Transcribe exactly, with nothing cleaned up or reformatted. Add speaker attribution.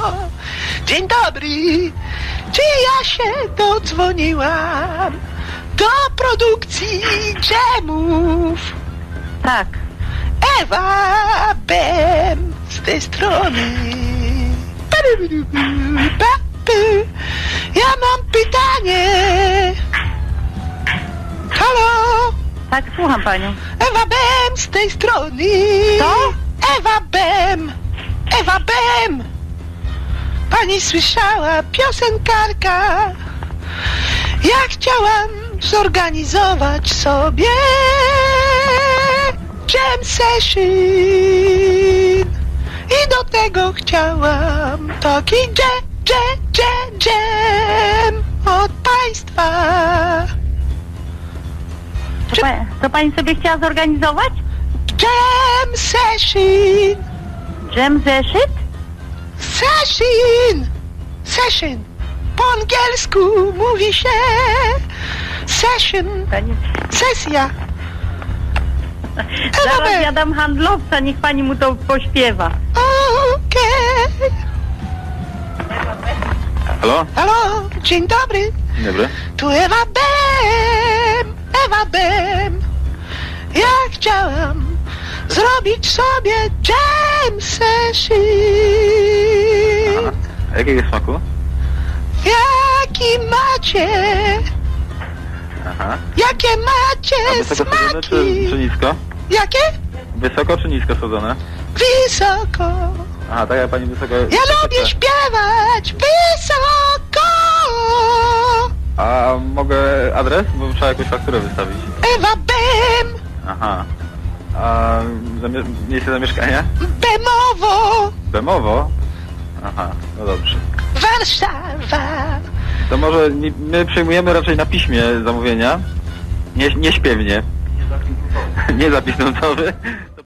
Speaker 1: Dzień dobry. Czy ja się dodzwoniłam do produkcji dżemów?
Speaker 2: Tak.
Speaker 1: Ewa Bem z tej strony. Ja mam pytanie. Halo?
Speaker 2: Tak, słucham panią.
Speaker 1: Ewa Bem z tej strony.
Speaker 2: Co?
Speaker 1: Ewa Bem. Ewa Bem. Pani słyszała, piosenkarka. Ja chciałam zorganizować sobie jam session. I do tego chciałam taki jam, jam, jam, jam od państwa.
Speaker 2: To, pa, to pani sobie chciała zorganizować?
Speaker 1: Jam session.
Speaker 2: Jam zeszyt?
Speaker 1: Session. Session. Po angielsku mówi się session.
Speaker 2: Pani...
Speaker 1: Sesja.
Speaker 2: Zaraz ja dam handlowca, niech pani mu to pośpiewa.
Speaker 1: Okej.
Speaker 3: Halo?
Speaker 1: Halo, dzień dobry.
Speaker 3: Dzień dobry.
Speaker 1: Tu Ewa Bem, Ewa Bem. Ja chciałam zrobić sobie jam session.
Speaker 3: Aha. A jakiego smaku?
Speaker 1: Jaki macie?
Speaker 3: Aha.
Speaker 1: Jakie macie
Speaker 3: A wysoko sadzone czy, czy
Speaker 1: smaki?
Speaker 3: nisko?
Speaker 1: Jakie?
Speaker 3: Wysoko czy nisko sadzone?
Speaker 1: Wysoko.
Speaker 3: Aha, tak jak pani wysoko...
Speaker 1: Ja lubię śpiewać wysoko.
Speaker 3: A mogę adres? Bo trzeba jakąś fakturę wystawić.
Speaker 1: Ewa Bem,
Speaker 3: Aha. A zamie miejsce zamieszkania?
Speaker 1: Bemowo,
Speaker 3: Bemowo? Aha, no dobrze.
Speaker 1: Warszawa.
Speaker 3: To może nie, my przyjmujemy raczej na piśmie zamówienia. Nie, nie śpiewnie. Nie zapis nutowy.